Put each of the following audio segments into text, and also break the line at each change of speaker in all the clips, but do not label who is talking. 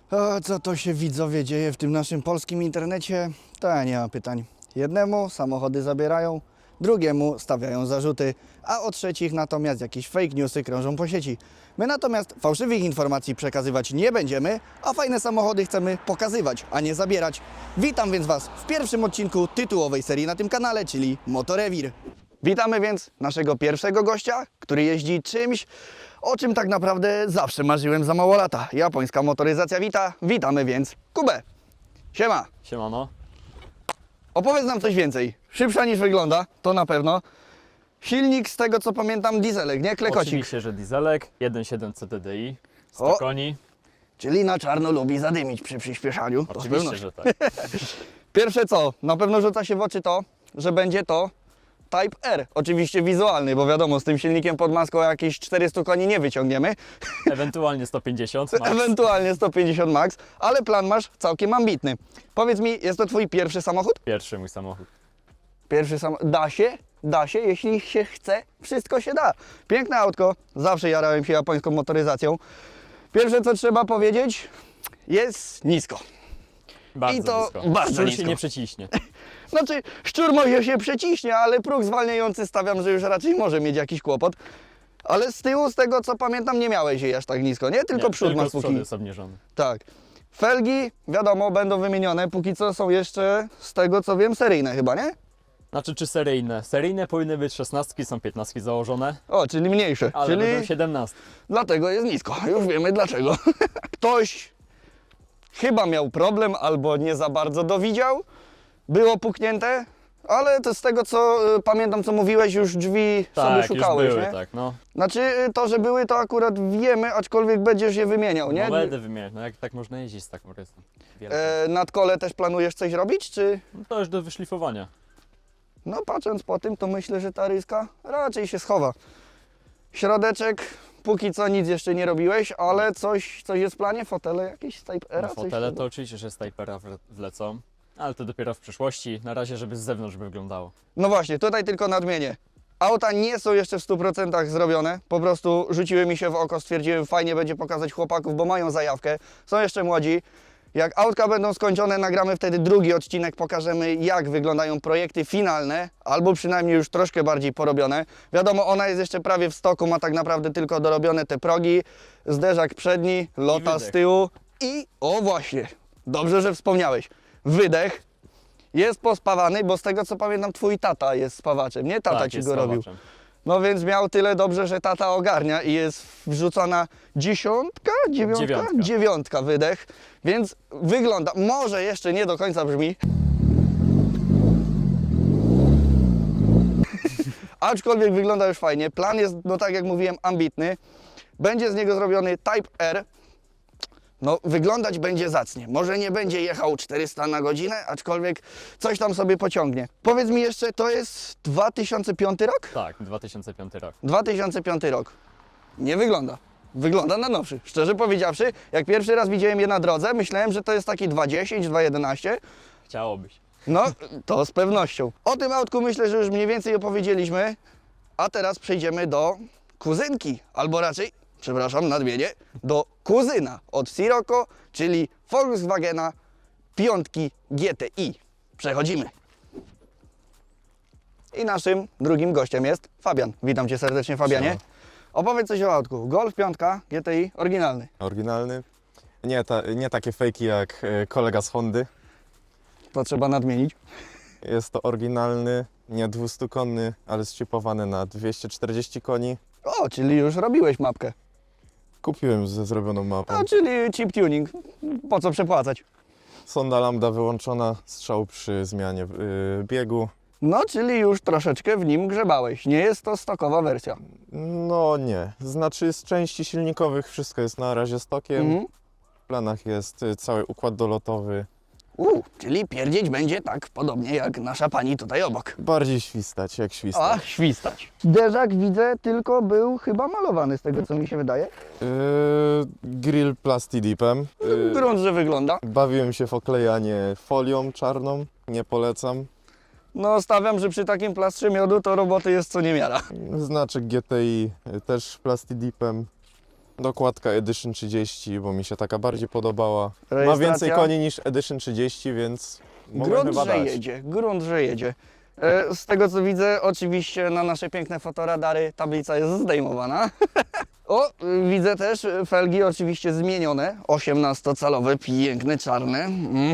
O, co to się widzowie dzieje w tym naszym polskim internecie? To ja nie mam pytań. Jednemu samochody zabierają, drugiemu stawiają zarzuty, a o trzecich natomiast jakieś fake newsy krążą po sieci. My natomiast fałszywych informacji przekazywać nie będziemy, a fajne samochody chcemy pokazywać, a nie zabierać. Witam więc Was w pierwszym odcinku tytułowej serii na tym kanale, czyli Motorewir. Witamy więc naszego pierwszego gościa, który jeździ czymś, o czym tak naprawdę zawsze marzyłem za mało lata. Japońska motoryzacja wita. Witamy więc Kubę. Siema.
Siemano.
Opowiedz nam coś więcej. Szybsza niż wygląda, to na pewno. Silnik, z tego co pamiętam, dieselek, nie? Klekocik.
Oczywiście, że dieselek, 1.7 CTDI, 100
O!
koni.
Czyli na czarno lubi zadymić przy przyspieszaniu. To z
Oczywiście,
pewnością.
że tak.
Pierwsze co, na pewno rzuca się w oczy to, że będzie to Type R. Oczywiście wizualny, bo wiadomo, z tym silnikiem pod maską jakieś 400 koni nie wyciągniemy.
Ewentualnie 150 max.
Ewentualnie 150 max, ale plan masz całkiem ambitny. Powiedz mi, jest to Twój pierwszy samochód?
Pierwszy mój samochód.
Pierwszy samochód. Da się? Da się, jeśli się chce, wszystko się da. Piękne autko, zawsze jarałem się japońską motoryzacją. Pierwsze co trzeba powiedzieć, jest nisko.
Bardzo
I to
blisko.
bardzo
Szczur
nisko.
się nie przeciśnie.
Znaczy, szczur może się przeciśnie, ale próg zwalniający stawiam, że już raczej może mieć jakiś kłopot. Ale z tyłu, z tego co pamiętam, nie miałeś jej aż tak nisko, nie? Tylko
Nie,
przód
tylko
masz
z przodu
póki.
jest obniżony.
Tak. Felgi, wiadomo, będą wymienione, póki co są jeszcze, z tego co wiem, seryjne chyba, nie?
Znaczy, czy seryjne? Seryjne powinny być 16, są 15 założone,
O, czyli mniejsze.
ale
czyli
będą 17.
dlatego jest nisko. Już wiemy dlaczego. Ktoś chyba miał problem albo nie za bardzo dowidział. Było puknięte, ale to z tego co pamiętam, co mówiłeś, już drzwi sobie
Tak,
szukałeś,
już były,
nie?
tak, no.
Znaczy to, że były, to akurat wiemy, aczkolwiek będziesz je wymieniał, nie?
No będę wymieniać, no jak tak można jeździć z taką rysą.
Nad kole też planujesz coś robić, czy?
No to już do wyszlifowania.
No patrząc po tym, to myślę, że ta ryska raczej się schowa. Środeczek, póki co nic jeszcze nie robiłeś, ale coś jest w planie? Fotele jakieś z Type R?
Na fotele to oczywiście, że z Typera wlecą, ale to dopiero w przyszłości. Na razie, żeby z zewnątrz by wyglądało.
No właśnie, tutaj tylko nadmienię. Auta nie są jeszcze w 100% zrobione, po prostu rzuciły mi się w oko, stwierdziłem, fajnie będzie pokazać chłopaków, bo mają zajawkę, są jeszcze młodzi. Jak autka będą skończone, nagramy wtedy drugi odcinek, pokażemy jak wyglądają projekty finalne, albo przynajmniej już troszkę bardziej porobione. Wiadomo, ona jest jeszcze prawie w stoku, ma tak naprawdę tylko dorobione te progi, zderzak przedni, lota z
wydech.
tyłu i, o właśnie, dobrze, że wspomniałeś, wydech. Jest pospawany, bo z tego co pamiętam, twój tata jest spawaczem, nie? Tata
Tak,
ci
jest
go robił.
spawaczem.
No więc miał tyle dobrze, że tata ogarnia i jest wrzucona dziesiątka, dziewiątka wydech, więc wygląda, może jeszcze nie do końca brzmi, aczkolwiek wygląda już fajnie. Plan jest, no tak jak mówiłem, ambitny. Będzie z niego zrobiony Type R. No, wyglądać będzie zacnie. Może nie będzie jechał 400 na godzinę, aczkolwiek coś tam sobie pociągnie. Powiedz mi jeszcze, to jest 2005 rok?
Tak, 2005 rok.
2005 rok. Nie wygląda. Wygląda na nowszy. Szczerze powiedziawszy, jak pierwszy raz widziałem je na drodze, myślałem, że to jest taki 2.10, 2.11.
Chciałobyś.
No, to z pewnością. O tym autku myślę, że już mniej więcej opowiedzieliśmy, a teraz przejdziemy do kuzynki, albo raczej, przepraszam, nadmienię, do kuzyna od Sirocco, czyli Volkswagena 5 GTI. Przechodzimy. I naszym drugim gościem jest Fabian. Witam Cię serdecznie, Fabianie.
Siema.
Opowiedz coś o autku. Golf 5 GTI oryginalny.
Oryginalny. Nie takie fejki jak kolega z Hondy.
To trzeba nadmienić.
Jest to oryginalny, nie 200-konny, ale zchipowany na 240 koni.
O, czyli już robiłeś mapkę.
Kupiłem ze zrobioną mapą.
No, czyli chip tuning. Po co przepłacać?
Sonda lambda wyłączona, strzał przy zmianie biegu.
No, czyli już troszeczkę w nim grzebałeś. Nie jest to stokowa wersja.
No nie, znaczy z części silnikowych wszystko jest na razie stokiem.
Mhm.
W planach jest cały układ dolotowy.
Czyli pierdzieć będzie tak podobnie jak nasza pani tutaj obok.
Bardziej świstać jak
A,
świstać.
świstać. Derzak widzę, tylko był chyba malowany z tego co mi się wydaje.
Grill plastidipem.
Grunt, że wygląda.
Bawiłem się w oklejanie folią czarną, nie polecam.
No, stawiam, że przy takim plastrze miodu to roboty jest co niemiara.
Znaczek GTI też plastidipem. Dokładka Edition 30, bo mi się taka bardziej podobała. Ma
Rejestracja?
więcej koni niż Edition 30, więc mogę
Grunt,
chyba
że
dać.
jedzie, grunt, że jedzie. Z tego co widzę, oczywiście na nasze piękne fotoradary tablica jest zdejmowana. O, widzę też felgi oczywiście zmienione. 18-calowe, piękne, czarne.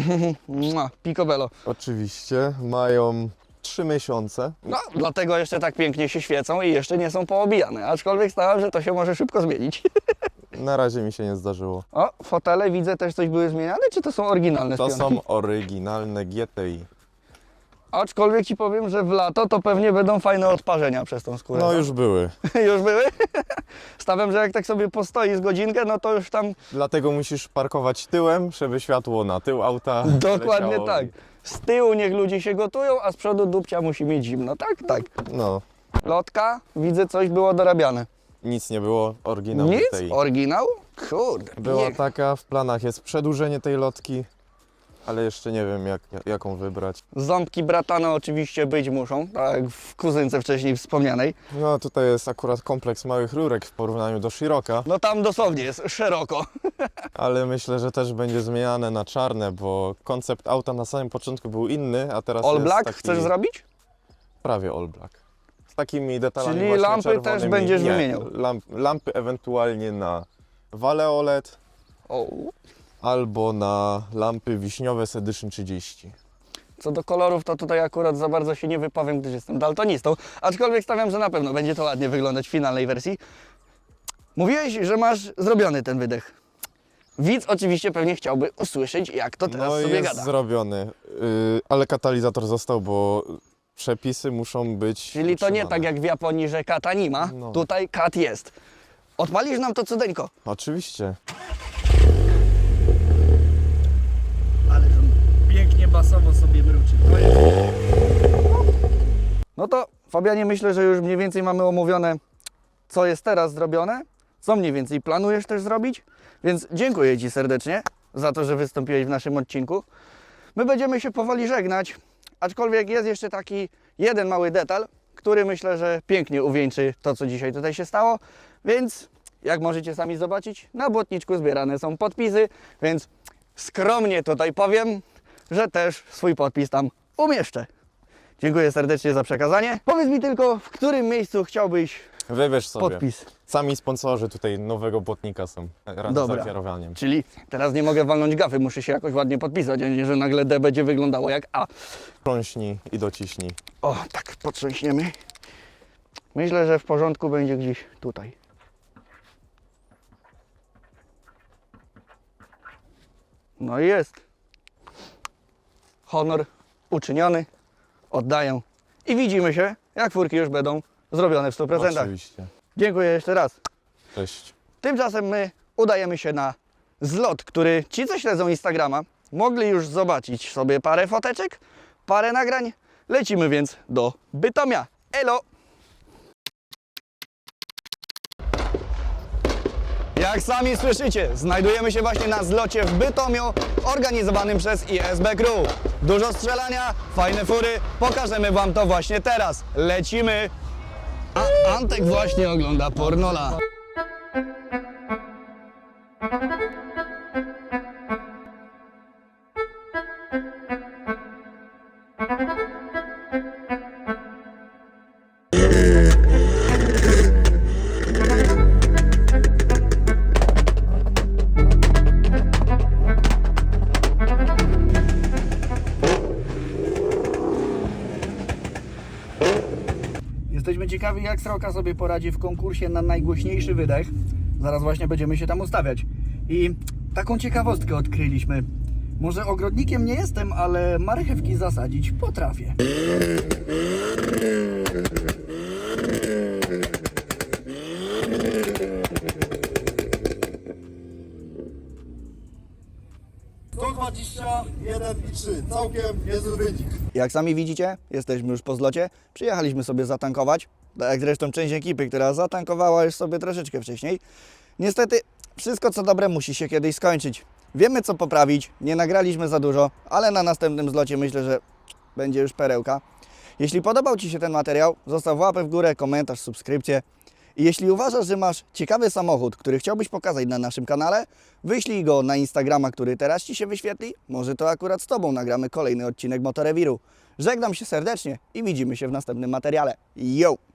Picobello.
Oczywiście, mają 3 miesiące.
No, dlatego jeszcze tak pięknie się świecą i jeszcze nie są poobijane. Aczkolwiek stałem, że to się może szybko zmienić.
Na razie mi się nie zdarzyło.
O, fotele widzę też coś były zmieniane, czy to są oryginalne
To
spionki?
są oryginalne GTI.
Aczkolwiek ci powiem, że w lato to pewnie będą fajne odparzenia przez tą skórę.
No już były.
Już były? Stawiam, że jak tak sobie postoi z godzinkę, no to już tam
Dlatego musisz parkować tyłem, żeby światło na tył auta
dokładnie
leciało.
tak. Z tyłu niech ludzie się gotują, a z przodu dupcia musi mieć zimno. Tak, tak.
No,
Lotka, widzę coś było dorabiane.
nic nie było, oryginał
Nic?
GTI.
Oryginał? Kurde.
Była
niech.
taka, w planach jest przedłużenie tej lotki, ale jeszcze nie wiem jaką wybrać.
Ząbki bratane oczywiście być muszą, tak jak w kuzynce wcześniej wspomnianej.
No tutaj jest akurat kompleks małych rurek w porównaniu do Shiroka,
No tam dosłownie jest szeroko.
ale myślę, że też będzie zmieniane na czarne, bo koncept auta na samym początku był inny, a teraz
All
jest
black
taki
chcesz zrobić?
prawie all black. Z takimi detalami
Czyli
właśnie
lampy też
czerwonymi.
będziesz
Nie,
wymieniał?
Lampy ewentualnie na wale OLED
O.
albo na lampy wiśniowe z Edition 30.
Co do kolorów, to tutaj akurat za bardzo się nie wypowiem, gdyż jestem daltonistą. Aczkolwiek stawiam, że na pewno będzie to ładnie wyglądać w finalnej wersji. Mówiłeś, że masz zrobiony ten wydech. Widz oczywiście pewnie chciałby usłyszeć, jak to teraz
No
sobie
jest
gada.
zrobiony, ale katalizator został, bo przepisy muszą być
Czyli to nie
utrzymane.
tak jak w Japonii, że kata nie ma.
No.
Tutaj kat jest. Odpalisz nam to cudeńko.
Oczywiście.
Ale pięknie basowo sobie mruczy. No to Fabianie, myślę, że już mniej więcej mamy omówione, co jest teraz zrobione, co mniej więcej planujesz też zrobić, więc dziękuję Ci serdecznie za to, że wystąpiłeś w naszym odcinku. My będziemy się powoli żegnać, aczkolwiek jest jeszcze taki jeden mały detal, który myślę, że pięknie uwieńczy to, co dzisiaj tutaj się stało, więc jak możecie sami zobaczyć, na błotniczku zbierane są podpisy, więc skromnie tutaj powiem, że też swój podpis tam umieszczę. Dziękuję serdecznie za przekazanie. Powiedz mi tylko, w którym miejscu chciałbyś
Wybierz sobie.
podpis.
Sami sponsorzy tutaj nowego błotnika są razem
Dobra.
z zakierowaniem.
Czyli teraz nie mogę walnąć gafy, muszę się jakoś ładnie podpisać, a nie, że nagle D będzie wyglądało jak A.
Trąśnij i dociśnij.
O, tak potrząśniemy. Myślę, że w porządku będzie gdzieś tutaj. No i jest. Honor uczyniony. Oddaję. I widzimy się, jak furki już będą zrobione w 100%.
Oczywiście.
Dziękuję jeszcze raz.
Cześć.
Tymczasem my udajemy się na zlot, który ci, co śledzą Instagrama, mogli już zobaczyć sobie parę foteczek, parę nagrań. Lecimy więc do Bytomia. Elo! Jak sami słyszycie, znajdujemy się właśnie na zlocie w Bytomiu, organizowanym przez ISB Crew. Dużo strzelania, fajne fury, pokażemy Wam to właśnie teraz. Lecimy! A Antek właśnie ogląda pornola. Jesteśmy ciekawi, jak Sroka sobie poradzi w konkursie na najgłośniejszy wydech. Zaraz właśnie będziemy się tam ustawiać. I taką ciekawostkę odkryliśmy. Może ogrodnikiem nie jestem, ale marchewki zasadzić potrafię.
i 3. Całkiem niezły wynik.
Jak sami widzicie, jesteśmy już po zlocie. Przyjechaliśmy sobie zatankować. Tak jak zresztą część ekipy, która zatankowała już sobie troszeczkę wcześniej. Niestety, wszystko co dobre musi się kiedyś skończyć. Wiemy co poprawić, nie nagraliśmy za dużo, ale na następnym zlocie myślę, że będzie już perełka. Jeśli podobał Ci się ten materiał, zostaw łapę w górę, komentarz, subskrypcję I jeśli uważasz, że masz ciekawy samochód, który chciałbyś pokazać na naszym kanale, wyślij go na Instagrama, który teraz Ci się wyświetli. Może to akurat z Tobą nagramy kolejny odcinek Motorewiru. Żegnam się serdecznie i widzimy się w następnym materiale. Yo!